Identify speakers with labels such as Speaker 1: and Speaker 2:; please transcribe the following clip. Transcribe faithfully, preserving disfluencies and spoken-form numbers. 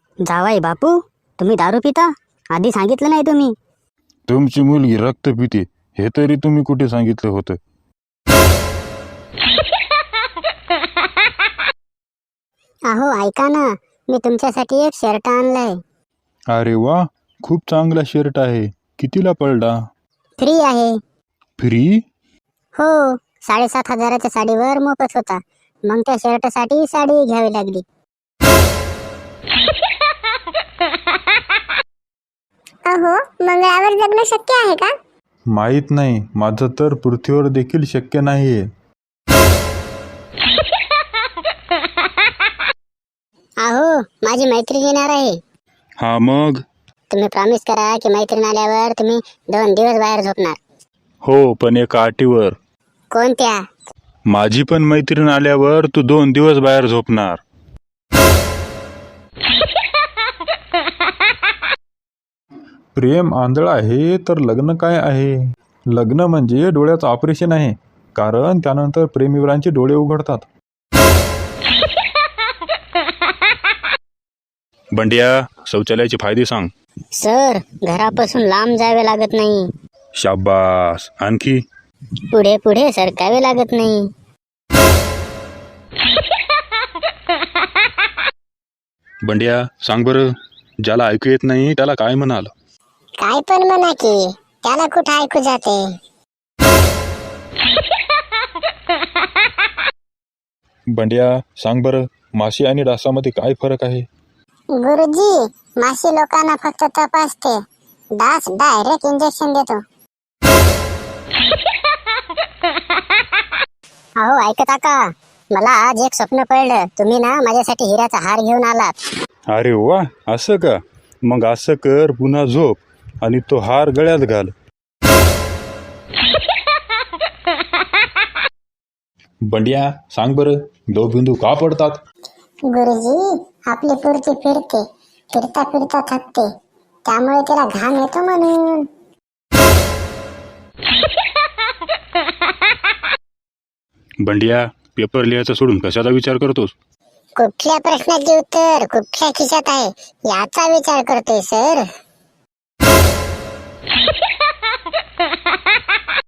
Speaker 1: जावाई बापू, तुम्ही दारू पिता? आधी सांगितलं नाही तुम्ही.
Speaker 2: तुमची मुलगी रक्त पिते हे तरी तुम्ही कुठे सांगितलं होतं?
Speaker 1: अहो ऐका ना, मी तुमच्यासाठी एक शर्ट आणलाय.
Speaker 2: अरे वा, खूप चांगला शर्ट आहे. कितीला पडला?
Speaker 1: फ्री आहे.
Speaker 2: फ्री?
Speaker 1: हो, साडेसात हजाराच्या साडीवर मोफत होता. मग त्या शर्टसाठी साडी घ्यावी लागली.
Speaker 3: अहो, मंगळावर जगणं शक्य आहे का?
Speaker 2: माहीत नाही, माझं तर पृथ्वीवर देखील शक्य नाहीये.
Speaker 1: अहो, माझी मैत्रीण येणार आहे.
Speaker 2: हा मग?
Speaker 1: तुम्ही प्रॉमिस करा की मैत्रीण आल्यावर तुम्ही दोन दिवस बाहेर झोपणार.
Speaker 2: हो, पण एका अटीवर.
Speaker 1: कोणत्या?
Speaker 2: माझी पण मैत्रीण आल्यावर तू दोन दिवस बाहेर झोपणार. प्रेम आंधळ आहे तर लग्न काय आहे? लग्न म्हणजे डोळ्याचं ऑपरेशन आहे, कारण त्यानंतर प्रेमीवरांचे डोळे उघडतात. बंड्या, शौचालयाचे फायदे सांग.
Speaker 1: सर, घरापासून लांब जावे लागत नाही.
Speaker 2: शाबास. आणखी?
Speaker 1: पुढे पुढे सरकावे लागत नाही.
Speaker 2: बंड्या, सांग बरं, ज्याला ऐकू येत नाही त्याला काय म्हणाल?
Speaker 3: काय पण म्हणा की, त्याला कुठं ऐकू जाते.
Speaker 2: बंड्या, सांग बरं, माशी आणि डासामध्ये काय फरक आहे?
Speaker 3: गुरुजी, माशी लोकांना फक्त तपासते, डास डायरेक्ट इंजेक्शन देतो.
Speaker 1: अहो ऐकता का, मला आज एक स्वप्न पडलं. तुम्ही ना माझ्यासाठी हिऱ्याचा हार घेऊन आलात.
Speaker 2: अरे वा, असं का? मग असं कर, पुन्हा झोप आणि तो हार गळ्यात घाल. बंड्या, सांग बरं, दो बिंदू का पडतात?
Speaker 3: गुरुजी, आपली पुरती फिरते, फिरता फिरता थकते, त्यामुळे तिला घाम येतो म्हणून.
Speaker 2: बंड्या, पेपर लिहायचा सोडून कशाचा विचार करतोस?
Speaker 3: कुठल्या प्रश्नाचे उत्तर कुठल्या खिशात आहे याचा विचार करतोय सर.